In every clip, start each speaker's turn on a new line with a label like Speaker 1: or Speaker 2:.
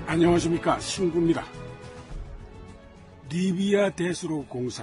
Speaker 1: 안녕하십니까, 신구입니다. 리비아 대수로 공사.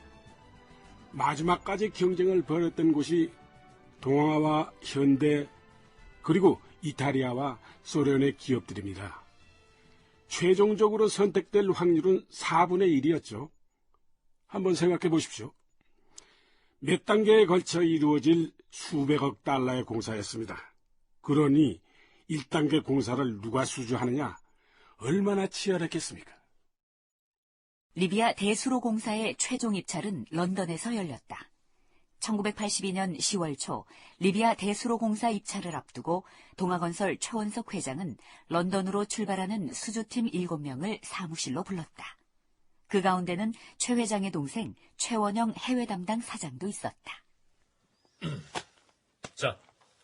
Speaker 1: 마지막까지 경쟁을 벌였던 곳이 동아와 현대 그리고 이탈리아와 소련의 기업들입니다. 최종적으로 선택될 확률은 4분의 1이었죠. 한번 생각해 보십시오. 몇 단계에 걸쳐 이루어질 수백억 달러의 공사였습니다. 그러니 1단계 공사를 누가 수주하느냐? 얼마나 치열했겠습니까?
Speaker 2: 리비아 대수로 공사의 최종 입찰은 런던에서 열렸다. 1982년 10월 초 리비아 대수로 공사 입찰을 앞두고 동아건설 최원석 회장은 런던으로 출발하는 수주팀 7명을 사무실로 불렀다. 그 가운데는 최 회장의 동생 최원영 해외 담당 사장도 있었다.
Speaker 3: 자.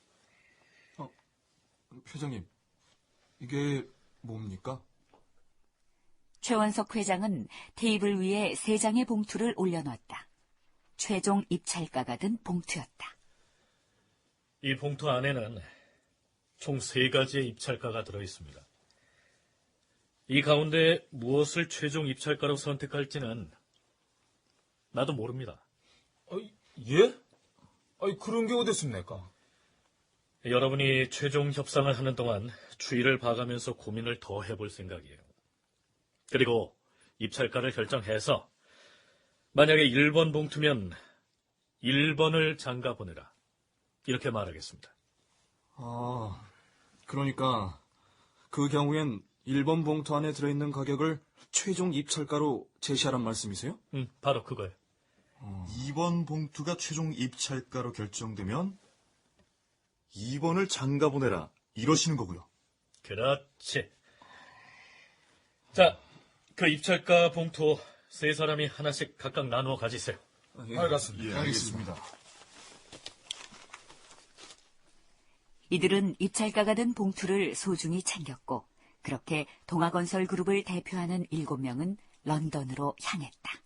Speaker 4: 회장님, 이게 뭡니까?
Speaker 2: 최원석 회장은 테이블 위에 3장의 봉투를 올려놓았다. 최종 입찰가가 든 봉투였다.
Speaker 3: 이 봉투 안에는 총 3가지의 입찰가가 들어있습니다. 이 가운데 무엇을 최종 입찰가로 선택할지는 나도 모릅니다.
Speaker 4: 예? 그런 게 어딨습니까?
Speaker 3: 여러분이 최종 협상을 하는 동안 추이를 봐가면서 고민을 더 해볼 생각이에요. 그리고 입찰가를 결정해서 만약에 1번 봉투면 1번을 장가 보내라. 이렇게 말하겠습니다.
Speaker 4: 그러니까 그 경우엔 1번 봉투 안에 들어있는 가격을 최종 입찰가로 제시하란 말씀이세요?
Speaker 3: 바로 그거예요.
Speaker 5: 2번 봉투가 최종 입찰가로 결정되면 2번을 장가 보내라 이러시는 거고요.
Speaker 3: 그렇지. 자, 그 입찰가 봉투 3사람이 하나씩 각각 나누어 가지세요.
Speaker 4: 알겠습니다.
Speaker 5: 예, 알겠습니다.
Speaker 2: 이들은 입찰가가 든 봉투를 소중히 챙겼고 그렇게 동아건설 그룹을 대표하는 7명은 런던으로 향했다.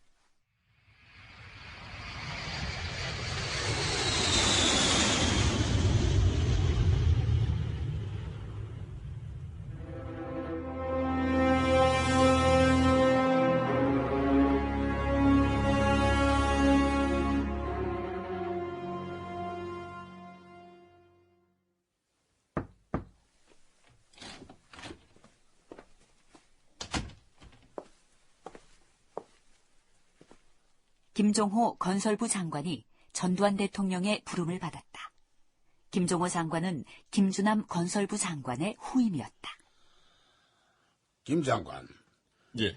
Speaker 2: 김종호 건설부 장관이 전두환 대통령의 부름을 받았다. 김종호 장관은 김주남 건설부 장관의 후임이었다.
Speaker 6: 김 장관,
Speaker 3: 예.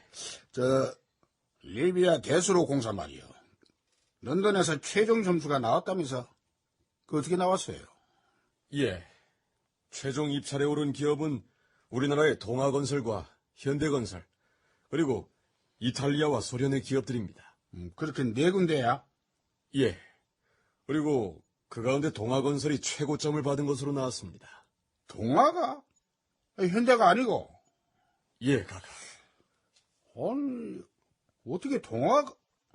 Speaker 6: 리비아 대수로 공사 말이요. 런던에서 최종 점수가 나왔다면서? 그 어떻게 나왔어요?
Speaker 7: 예. 최종 입찰에 오른 기업은 우리나라의 동아건설과 현대건설, 그리고 이탈리아와 소련의 기업들입니다.
Speaker 6: 그렇게 4군데야?
Speaker 7: 예. 그리고 그 가운데 동아건설이 최고점을 받은 것으로 나왔습니다.
Speaker 6: 동아가? 현대가 아니고?
Speaker 7: 예, 가가.
Speaker 6: 아니, 어떻게 동아가?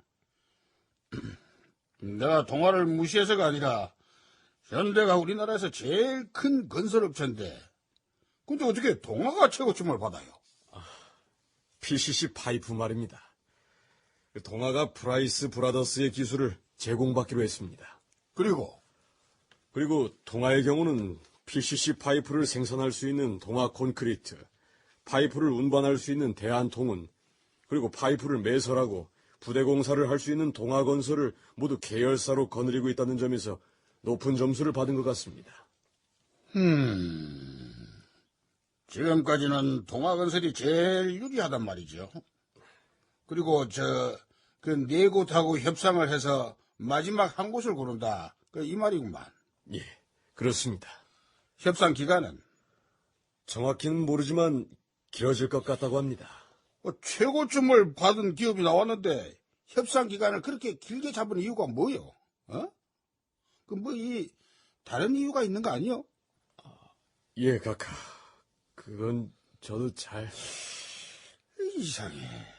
Speaker 6: 내가 동아를 무시해서가 아니라 현대가 우리나라에서 제일 큰 건설업체인데 근데 어떻게 동아가 최고점을 받아요?
Speaker 7: PCC 파이프 말입니다. 동아가 프라이스 브라더스의 기술을 제공받기로 했습니다.
Speaker 6: 그리고
Speaker 7: 동아의 경우는 PCC 파이프를 생산할 수 있는 동아 콘크리트, 파이프를 운반할 수 있는 대한통운, 그리고 파이프를 매설하고 부대 공사를 할 수 있는 동아건설을 모두 계열사로 거느리고 있다는 점에서 높은 점수를 받은 것 같습니다.
Speaker 6: 지금까지는 동아건설이 제일 유리하단 말이죠. 그리고 그 4곳하고 협상을 해서 마지막 한 곳을 고른다. 이 말이구만.
Speaker 7: 예, 그렇습니다.
Speaker 6: 협상 기간은?
Speaker 7: 정확히는 모르지만 길어질 것 같다고 합니다.
Speaker 6: 최고점을 받은 기업이 나왔는데 협상 기간을 그렇게 길게 잡은 이유가 뭐요? 다른 이유가 있는 거 아니요?
Speaker 7: 예, 카카. 그건 저도 잘...
Speaker 6: 이상해.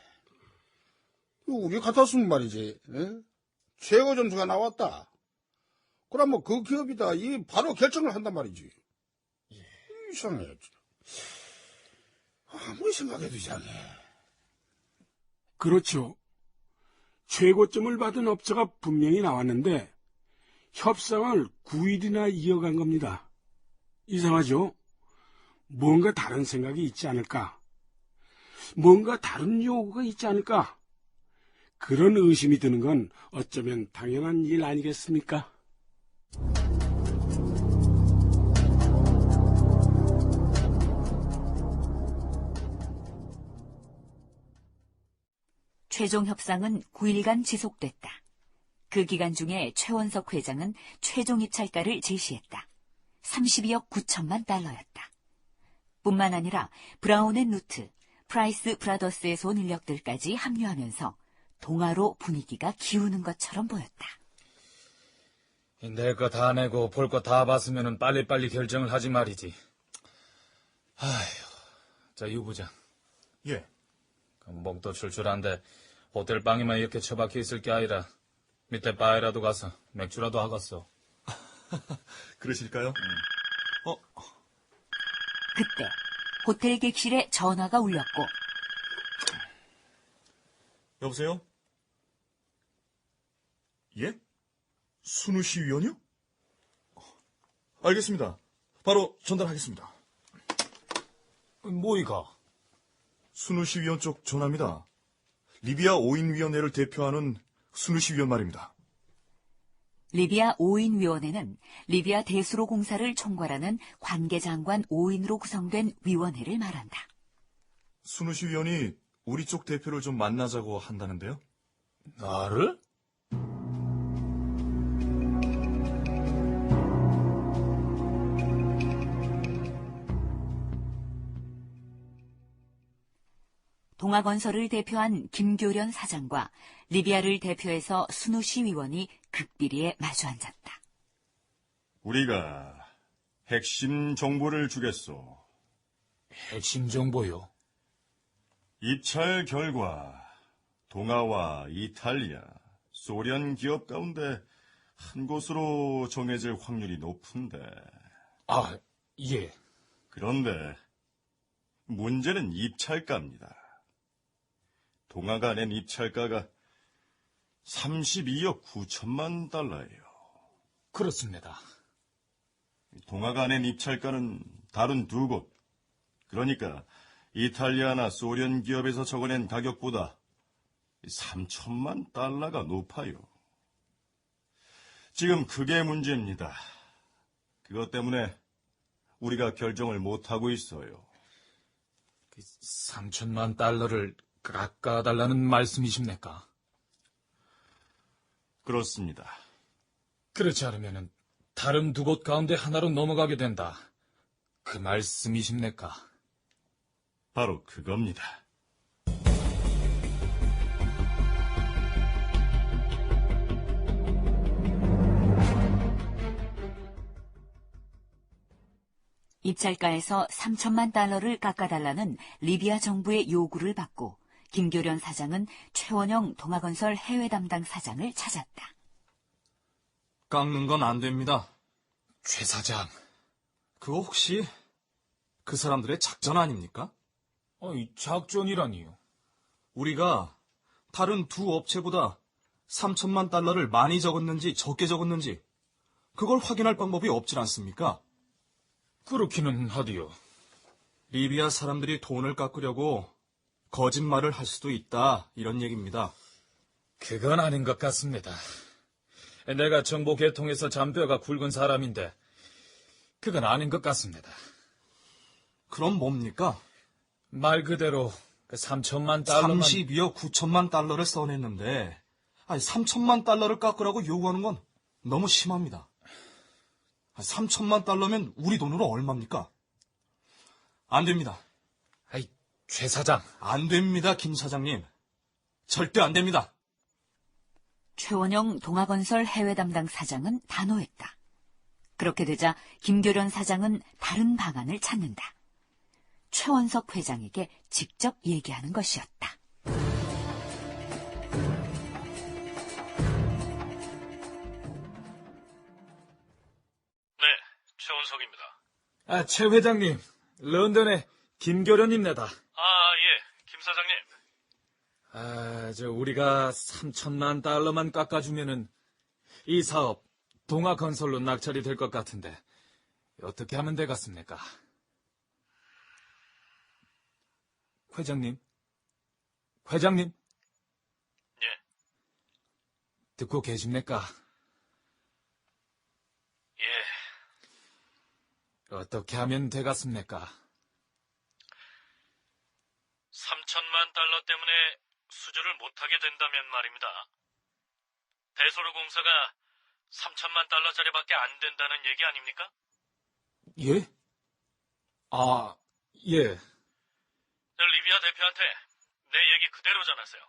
Speaker 6: 우리 같았으면 말이지. 최고 점수가 나왔다. 그럼 그 기업이다. 바로 결정을 한단 말이지. 이상해. 아무리 생각해도 이상해.
Speaker 1: 그렇죠. 최고점을 받은 업체가 분명히 나왔는데 협상을 9일이나 이어간 겁니다. 이상하죠? 뭔가 다른 생각이 있지 않을까? 뭔가 다른 요구가 있지 않을까? 그런 의심이 드는 건 어쩌면 당연한 일 아니겠습니까?
Speaker 2: 최종 협상은 9일간 지속됐다. 그 기간 중에 최원석 회장은 최종 입찰가를 제시했다. 32억 9천만 달러였다. 뿐만 아니라 브라운 앤 루트, 프라이스 브라더스에서 온 인력들까지 합류하면서 동아로 분위기가 기우는 것처럼 보였다.
Speaker 8: 낼 거 다 내고 볼 거 다 봤으면 빨리빨리 결정을 하지 말이지. 아휴, 자, 유 부장.
Speaker 5: 예.
Speaker 8: 목도 출출한데 호텔 방에만 이렇게 처박혀 있을 게 아니라 밑에 바에라도 가서 맥주라도 하겠어.
Speaker 5: 그러실까요?
Speaker 2: 그때 호텔 객실에 전화가 울렸고
Speaker 5: 여보세요? 예? 순우 씨 위원이요? 알겠습니다. 바로 전달하겠습니다.
Speaker 8: 뭐이가?
Speaker 5: 순우 씨 위원 쪽 전화입니다. 리비아 5인 위원회를 대표하는 순우 씨 위원 말입니다.
Speaker 2: 리비아 5인 위원회는 리비아 대수로 공사를 총괄하는 관계장관 5인으로 구성된 위원회를 말한다.
Speaker 5: 순우 씨 위원이 우리 쪽 대표를 좀 만나자고 한다는데요?
Speaker 8: 나를?
Speaker 2: 동아건설을 대표한 김교련 사장과 리비아를 대표해서 순우시 위원이 극비리에 마주 앉았다.
Speaker 7: 우리가 핵심 정보를 주겠소.
Speaker 8: 핵심 정보요?
Speaker 7: 입찰 결과 동아와 이탈리아, 소련 기업 가운데 한 곳으로 정해질 확률이 높은데.
Speaker 8: 아, 예.
Speaker 7: 그런데 문제는 입찰가입니다. 동아가 낸 입찰가가 32억 9천만 달러예요.
Speaker 8: 그렇습니다.
Speaker 7: 동아가 낸 입찰가는 다른 두 곳, 그러니까 이탈리아나 소련 기업에서 적어낸 가격보다 3천만 달러가 높아요. 지금 그게 문제입니다. 그것 때문에 우리가 결정을 못하고 있어요.
Speaker 8: 3천만 달러를 깎아달라는 말씀이십니까?
Speaker 7: 그렇습니다.
Speaker 8: 그렇지 않으면 다른 두 곳 가운데 하나로 넘어가게 된다. 그 말씀이십니까?
Speaker 7: 바로 그겁니다.
Speaker 2: 입찰가에서 3천만 달러를 깎아달라는 리비아 정부의 요구를 받고 김교련 사장은 최원영 동아건설 해외 담당 사장을 찾았다.
Speaker 4: 깎는 건 안 됩니다.
Speaker 8: 최 사장.
Speaker 4: 그거 혹시 그 사람들의 작전 아닙니까?
Speaker 8: 작전이라니요.
Speaker 4: 우리가 다른 두 업체보다 3천만 달러를 많이 적었는지 적게 적었는지 그걸 확인할 방법이 없질 않습니까?
Speaker 8: 그렇기는 하디요.
Speaker 4: 리비아 사람들이 돈을 깎으려고 거짓말을 할 수도 있다, 이런 얘기입니다.
Speaker 8: 그건 아닌 것 같습니다. 내가 정보 개통에서 잔뼈가 굵은 사람인데 그건 아닌 것 같습니다.
Speaker 4: 그럼 뭡니까?
Speaker 8: 말 그대로 3천만 달러만...
Speaker 4: 32억 9천만 달러를 써냈는데 3천만 달러를 깎으라고 요구하는 건 너무 심합니다. 3천만 달러면 우리 돈으로 얼마입니까? 안 됩니다.
Speaker 8: 최 사장.
Speaker 4: 안 됩니다, 김 사장님. 절대 안 됩니다.
Speaker 2: 최원영 동아건설 해외 담당 사장은 단호했다. 그렇게 되자 김교련 사장은 다른 방안을 찾는다. 최원석 회장에게 직접 얘기하는 것이었다.
Speaker 3: 네, 최원석입니다.
Speaker 8: 최 회장님, 런던의 김교련입니다.
Speaker 3: 아, 사장님.
Speaker 8: 우리가 3천만 달러만 깎아주면은 이 사업 동아건설로 낙찰이 될 것 같은데 어떻게 하면 되겠습니까? 회장님?
Speaker 3: 예.
Speaker 8: 듣고 계십니까?
Speaker 3: 예.
Speaker 8: 어떻게 하면 되겠습니까?
Speaker 3: 3천만 달러 때문에 수주를 못하게 된다면 말입니다. 대소로 공사가 3천만 달러짜리밖에 안 된다는 얘기 아닙니까?
Speaker 8: 예? 예.
Speaker 3: 리비아 대표한테 내 얘기 그대로 전하세요.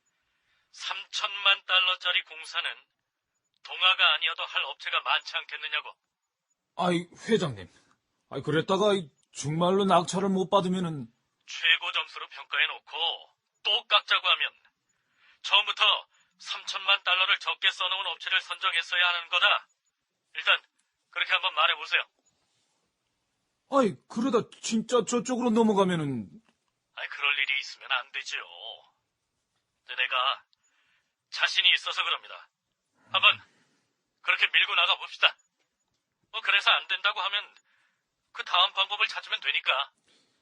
Speaker 3: 3천만 달러짜리 공사는 동아가 아니어도 할 업체가 많지 않겠느냐고.
Speaker 8: 회장님. 그랬다가 정말로 낙찰을 못 받으면은
Speaker 3: 최고 점수로 평가해놓고 또 깎자고 하면 처음부터 3천만 달러를 적게 써놓은 업체를 선정했어야 하는 거다. 일단 그렇게 한번 말해보세요.
Speaker 8: 그러다 진짜 저쪽으로 넘어가면은
Speaker 3: 그럴 일이 있으면 안 되지요. 근데 내가 자신이 있어서 그럽니다. 한번 그렇게 밀고 나가 봅시다. 그래서 안 된다고 하면 그 다음 방법을 찾으면 되니까.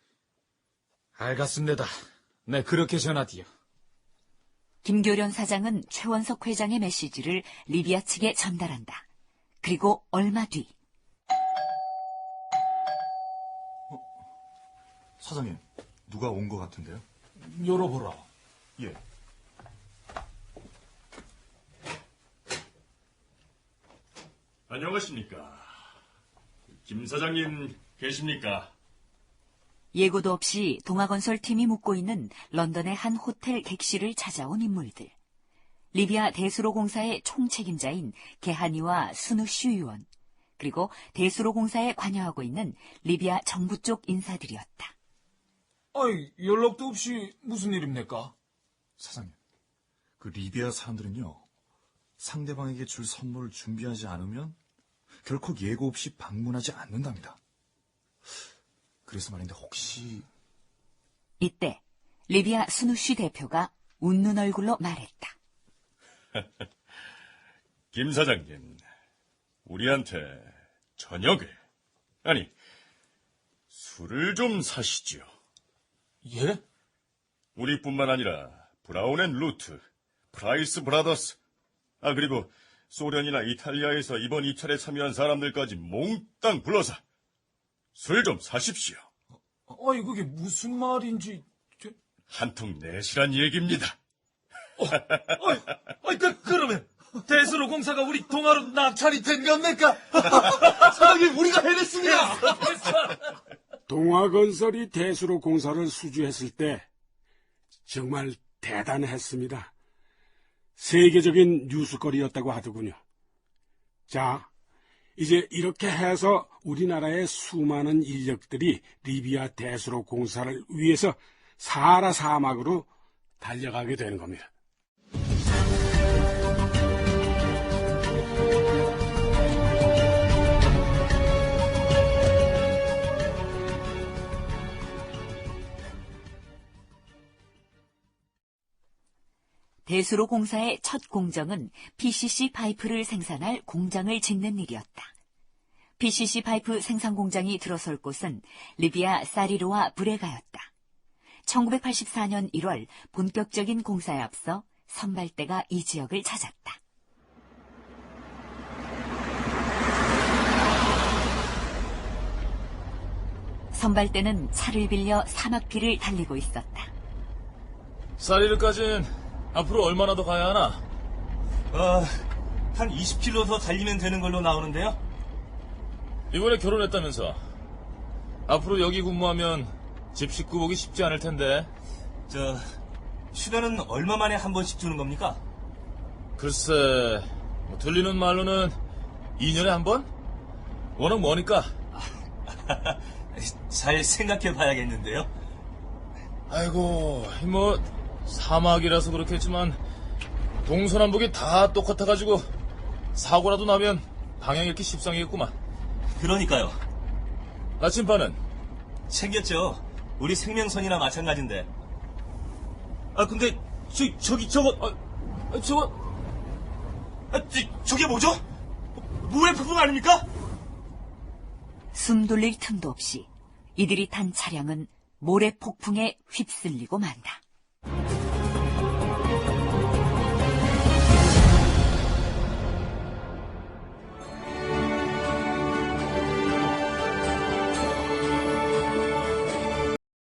Speaker 8: 알겠습니다. 네, 그렇게 전하디요.
Speaker 2: 김교련 사장은 최원석 회장의 메시지를 리비아 측에 전달한다. 그리고 얼마 뒤
Speaker 5: 사장님, 누가 온 것 같은데요?
Speaker 8: 열어보라.
Speaker 5: 예.
Speaker 7: 안녕하십니까. 김 사장님 계십니까?
Speaker 2: 예고도 없이 동아건설 팀이 묵고 있는 런던의 한 호텔 객실을 찾아온 인물들. 리비아 대수로 공사의 총책임자인 게하니와 수누슈 의원, 그리고 대수로 공사에 관여하고 있는 리비아 정부 쪽 인사들이었다.
Speaker 8: 연락도 없이 무슨 일입니까?
Speaker 5: 사장님, 그 리비아 사람들은요, 상대방에게 줄 선물을 준비하지 않으면 결코 예고 없이 방문하지 않는답니다. 그래서 말인데 혹시...
Speaker 2: 이때 리비아 수누슈 대표가 웃는 얼굴로 말했다.
Speaker 7: 김 사장님, 우리한테 저녁에, 아니, 술을 좀 사시지요.
Speaker 8: 예?
Speaker 7: 우리뿐만 아니라 브라운 앤 루트, 프라이스 브라더스, 그리고 소련이나 이탈리아에서 이번 입찰에 참여한 사람들까지 몽땅 불러서 술 좀 사십시오.
Speaker 8: 그게 무슨 말인지...
Speaker 7: 한통 내시란 얘기입니다.
Speaker 8: 그러면 대수로 공사가 우리 동아로 낙찰이 된 겁니까? 사장님, 우리가 해냈습니다.
Speaker 1: 동아건설이 대수로 공사를 수주했을 때 정말 대단했습니다. 세계적인 뉴스거리였다고 하더군요. 자, 이제 이렇게 해서 우리나라의 수많은 인력들이 리비아 대수로 공사를 위해서 사하라 사막으로 달려가게 되는 겁니다.
Speaker 2: 대수로 공사의 첫 공정은 PCC 파이프를 생산할 공장을 짓는 일이었다. PCC 파이프 생산 공장이 들어설 곳은 리비아 사리로와 브레가였다. 1984년 1월 본격적인 공사에 앞서 선발대가 이 지역을 찾았다. 선발대는 차를 빌려 사막길을 달리고 있었다.
Speaker 8: 사리르까진 앞으로 얼마나 더 가야 하나?
Speaker 9: 한 20km 더 달리면 되는 걸로 나오는데요.
Speaker 8: 이번에 결혼했다면서. 앞으로 여기 근무하면 집 식구 보기 쉽지 않을 텐데.
Speaker 9: 휴가는 얼마 만에 한 번씩 주는 겁니까?
Speaker 8: 글쎄, 들리는 말로는 2년에 한 번? 워낙 머니까.
Speaker 9: 잘 생각해 봐야겠는데요.
Speaker 8: 아이고, 사막이라서 그렇겠지만 동서남북이 다 똑같아가지고 사고라도 나면 방향 잃기 십상이겠구만.
Speaker 9: 그러니까요.
Speaker 8: 나침반은?
Speaker 9: 챙겼죠. 우리 생명선이나 마찬가지인데. 근데, 저거, 저게 뭐죠? 모래 폭풍 아닙니까?
Speaker 2: 숨 돌릴 틈도 없이 이들이 탄 차량은 모래 폭풍에 휩쓸리고 만다.